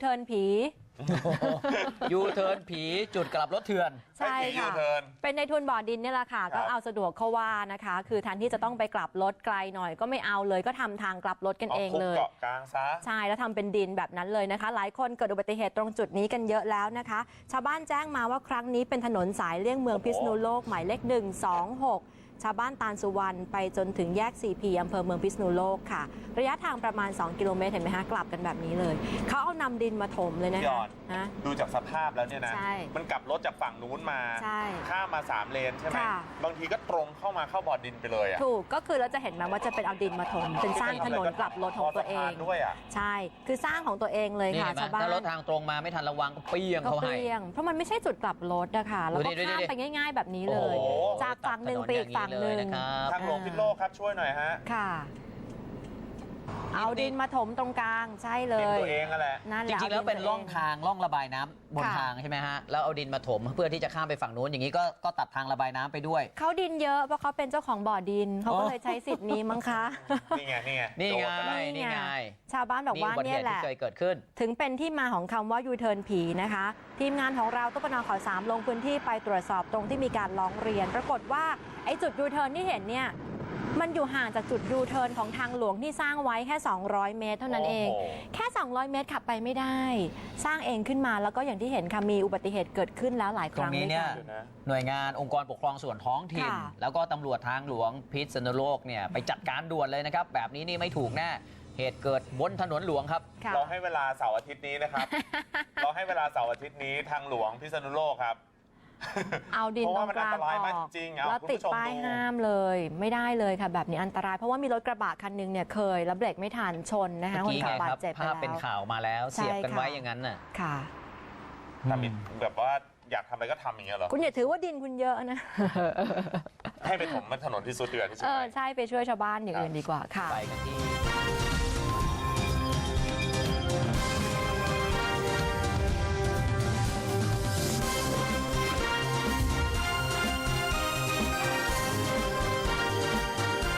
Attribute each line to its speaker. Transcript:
Speaker 1: เทิร์นผี
Speaker 2: ยูเทิร์นผีจุดกลับรถเถื่อน
Speaker 1: ใช่ค่ะเป็นในทุนบ่อดินนี่แหละค่ะก็เอาสะดวกเขาว่านะคะคือแทนที่จะต้องไปกลับรถไกลหน่อยก็ไม่เอาเลยก็ทำทางกลับรถกันเองเลย
Speaker 3: เกาะกลางซะ
Speaker 1: ใช่แล้วทำเป็นดินแบบนั้นเลยนะคะหลายคนเกิดอุบัติเหตุตรงจุดนี้กันเยอะแล้วนะคะชาวบ้านแจ้งมาว่าครั้งนี้เป็นถนนสายเลี่ยงเมืองพิษณุโลกหมายเลข126ชาวบ้านตาลสุวรรณไปจนถึงแยก 4P อำเภอเมืองพิษณุโลกค่ะระยะทางประมาณ2กิโลเมตรเห็นไหมคะกลับกันแบบนี้เลยเขาเอานำดินมาถมเลยนะคะ
Speaker 3: ดูจากสภาพแล้วเนี่ยนะมันกลับรถจากฝั่งนู้นมาข้ามมา3เลนใช่ไหมบางทีก็ตรงเข้ามาเข้าบ่อดินไปเลยอ่ะ
Speaker 1: ถูกก็คือเราจะเห็นไหมว่าจะเป็นเอาดินมาถมเป็นสร้างถนนกลับรถของตัวเอง
Speaker 3: ด้วยอ่ะ
Speaker 1: ใช่คือสร้างของตัวเองเลยค่ะชาวบ้าน
Speaker 2: ถ้ารถทางตรงมาไม่ทันระวังก็เปี้ยงเขาให้
Speaker 1: เพราะมันไม่ใช่จุดกลับรถนะคะแล้วก็ข้ามไปง่ายๆแบบนี้เลยจากฝั่งหนึ่งไปอีกฝั่งหนึ่ง
Speaker 3: ทางหลวงพิษณุโลกครับช่วยหน่อยฮะ
Speaker 1: ค่ะเอาดินมาถมตรงกลางใช่เลย
Speaker 3: ดินตัวเองนั่นแหละ
Speaker 2: จริงๆแล้วเป็นร่องทางร่องระบายน้ำบนทางใช่ไหมฮะแล้วเอาดินมาถมเพื่อที่จะข้ามไปฝั่งนู้นอย่างนี้ก็ตัดทางระบายน้ำไปด้วย
Speaker 1: เขาดินเยอะเพราะเขาเป็นเจ้าของบ่อดินเขาก็เลยใช้สิทธิ์นี้มั้งคะ
Speaker 3: นี่ไง
Speaker 1: ชาวบ้านบอกว่าเนี่ยแหละ
Speaker 2: เคยเกิดขึ้น
Speaker 1: ถึงเป็นที่มาของคำว่ายูเทิร์นผีนะคะทีมงานของเราตุ๊กนข่าว3ลงพื้นที่ไปตรวจสอบตรงที่มีการร้องเรียนปรากฏว่าไอ้จุดยูเทิร์นที่เห็นเนี่ยมันอยู่ห่างจากจุดยูเทิร์นของทางหลวงที่สร้างไว้แค่200เมตรเท่านั้นเองแค่200เมตรขับไปไม่ได้สร้างเองขึ้นมาแล้วก็อย่างที่เห็นค่ะมีอุบัติเหตุเกิดขึ้นแล้วหลายครั้ง
Speaker 2: ตรงนี้เนี่ยหน่วยงานองค์กรปกครองส่วนท้องถิ่นแล้วก็ตำรวจทางหลวงพิษณุโลกเนี่ยไปจัดการด่วนเลยนะครับแบบนี้นี่ไม่ถูกแน่เหตุเกิดบนถนนหลวงครับ
Speaker 3: เราให้เวลาเสาร์อาทิตย์นี้นะครับเราให้เวลาเสาร์อาทิตย์นี้ทางหลวงพิษณุโลกครับ
Speaker 1: เอาดินตรงกลางออกแล้วติดป้ายห้ามเลยไม่ได้เลยค่ะแบบนี้อันตรายเพราะว่ามีรถกระบะคันนึงเนี่ยเคยแล้วเบรกไม่ทันชนนะคะคนขับบาดเจ็บไปแล้ว
Speaker 2: ภาพเป็นข่าวมาแล้วเสียบกันไว้อย่างนั้นน่ะ
Speaker 1: ค่ะ
Speaker 3: ทำแบบว่าอยากทำอะไรก็ทำอย่างเงี้ยเหรอ
Speaker 1: คุณอย่าถือว่าดินคุณเยอะนะ
Speaker 3: ให้ไปถมมันถนนที่สุดเดือดที่สุด
Speaker 1: ใช่ไปช่วยชาวบ้านอย่างอื่นดีกว่าค่ะ
Speaker 2: ไปกันที่